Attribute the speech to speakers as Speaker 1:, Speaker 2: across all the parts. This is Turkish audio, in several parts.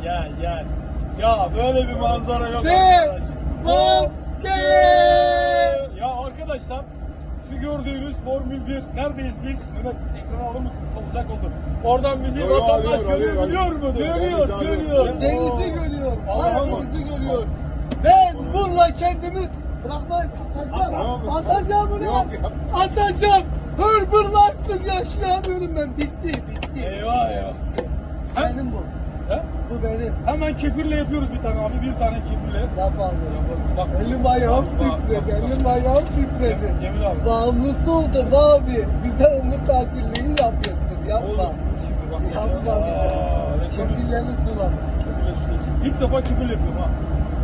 Speaker 1: gel. Ya böyle bir manzara yok
Speaker 2: Devam
Speaker 1: arkadaş.
Speaker 2: ki.
Speaker 1: Ya arkadaşlar şu gördüğünüz Formül 1 neredeyiz biz? Mehmet ekrana alır mısın? Çok uzak oldu. Oradan bizi vatandaş görebiliyor mu?
Speaker 2: Görüyor.
Speaker 1: Evet,
Speaker 2: Denizi görüyor.
Speaker 1: Allah'ım.
Speaker 2: Karadeniz'i görüyor. Ben bununla kendimi bırakmayın. Atacağım bunu. Atacağım. Hırbırlarsız yaşayamıyorum ben. Bitti.
Speaker 1: Eyvah ya.
Speaker 2: Benim bu.
Speaker 1: He?
Speaker 2: Bu benim.
Speaker 1: Hemen kefirle yapıyoruz bir tane abi. Bir tane kefirle.
Speaker 2: Yap abi.
Speaker 1: Bak.
Speaker 2: Elim ayağım
Speaker 1: Bak,
Speaker 2: titredi.
Speaker 1: bak, bak.
Speaker 2: Elim ayağım titredi.
Speaker 1: Cemil abi.
Speaker 2: Bağımlısı oldum abi. Bize umut tacirliği yapıyorsun. Yapma.
Speaker 1: Oğlum, şimdi bak.
Speaker 2: Yapma bize. Kefirlerini sulama.
Speaker 1: İlk defa kefir yapıyorum ha.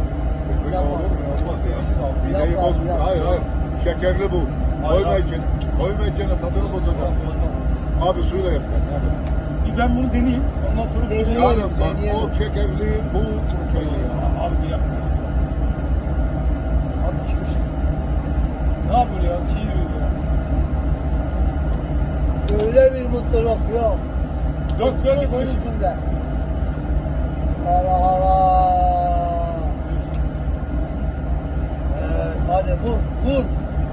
Speaker 3: Hayır. Şekerli bu. Koyma içine tadını bozacak. Abi suyla yap sen. Hadi.
Speaker 1: Bir ben bunu deneyeyim. Ondan sonra
Speaker 2: Deneyelim.
Speaker 3: Yani bak o şekerli bu şeyle ya.
Speaker 1: Abi bir yaptım. Abi çıkmış. Ne yapıyor ya? Çiğ yiyor ya.
Speaker 2: Öyle bir mutluluk yok.
Speaker 1: Yok
Speaker 2: Bunun içinde. Hala hala. Evet, hadi vur.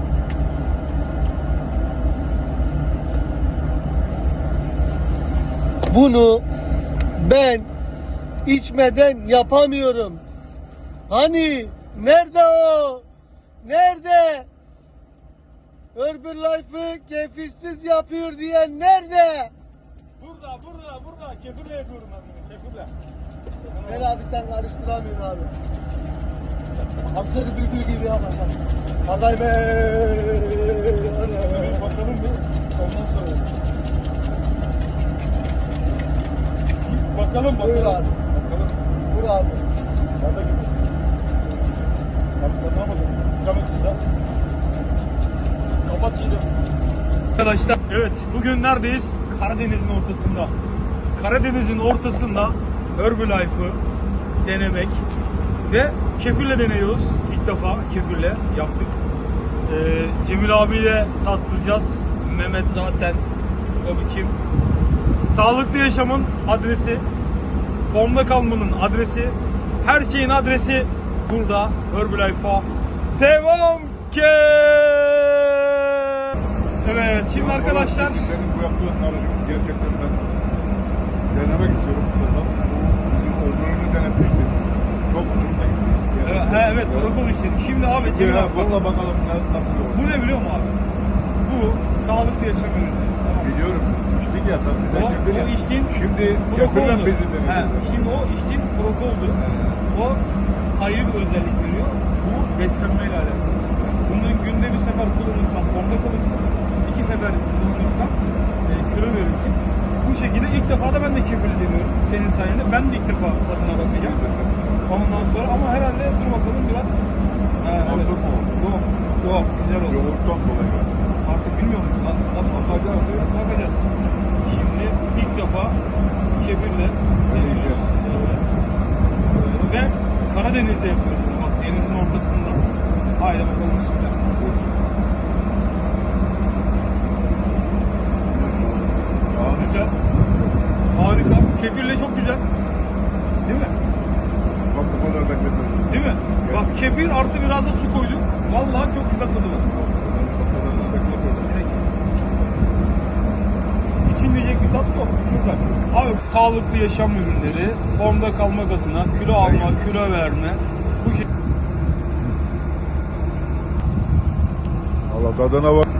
Speaker 2: Bunu ben içmeden yapamıyorum. Hani nerede o? Nerede? Herbalife'ı kefirsiz yapıyor diyen nerede?
Speaker 1: Burada. Kefirle yapıyorum ben bunu. Kefirle.
Speaker 2: Gel abi sen karıştıramıyorsun abi. Hamsarı bülbül gibi yapacağım. Aday be.
Speaker 1: Bir bakalım bir. Ondan sonra. Bakalım.
Speaker 2: Buyur abi.
Speaker 1: Bakalım.
Speaker 2: Vur abi.
Speaker 1: Sağda gibi. Abi sen ne yapacaksın? Kapat Kapat şimdi. Arkadaşlar evet bugün neredeyiz? Karadeniz'in ortasında. Karadeniz'in ortasında Herbalife'ı denemek ve kefirle deniyoruz. İlk defa kefirle yaptık. Cemil abiyle tattıracağız. Mehmet zaten o biçim. Sağlıklı yaşamın adresi, formda kalmanın adresi, her şeyin adresi burada. Herbalife'a devam ki. Evet şimdi arkadaşlar.
Speaker 3: Senin bu yaptığınları gerçekten ben denemek istiyorum bu sefer. Bizim öbürünü denetmiştim. Çok hoşuma gitti.
Speaker 1: Evet protokol işleri. Şimdi abi Cemil abi.
Speaker 3: Bununla bakalım nasıl olur.
Speaker 1: Bu ne biliyor musun abi? Bu sağlıklı yaşam ürünü. Tamam.
Speaker 3: Biliyorum. İçtik ya sen bize kefir ya.
Speaker 1: O içtiğin
Speaker 3: Şimdi kefirle
Speaker 1: prokoldu.
Speaker 3: bizi denedin.
Speaker 1: Şimdi o içtiğin prokoldu. O ayrı bir özellik veriyor. Bu beslenmeyle alakalı. Bunu günde bir sefer kullanırsan formda kalırsın. 2 sefer kullanırsan kilo verirsin. Bu şekilde ilk defa da ben de kefir deniyorum. Senin sayende. Ben de ilk defa tadına bakacağım. Ondan sonra ama herhalde dur bakalım biraz.
Speaker 3: Altın mı oldu?
Speaker 1: Yok. Güzel oldu.
Speaker 3: Yoğurttan dolayı.
Speaker 1: Artık bilmiyorum.
Speaker 3: Bakacağız.
Speaker 1: Bakacağız. Şimdi ilk defa kefirle deniyoruz. Ve Karadeniz'de yapıyoruz. Bak denizin ortasında. Haydi bakalım bismillah. Güzel. Harika. Kefirle çok güzel. Değil mi?
Speaker 3: Bak bu kadar bekletmedim.
Speaker 1: Değil mi? Bak kefir artı biraz da su koyduk. Vallahi çok güzel tadı var.
Speaker 3: Bu kadar bekletmedim.
Speaker 1: İçilmeyecek bir tat yok. Şurada. Abi sağlıklı yaşam ürünleri, formda kalmak adına kilo alma, kilo verme. Bu şey.
Speaker 3: Allah tadına bak.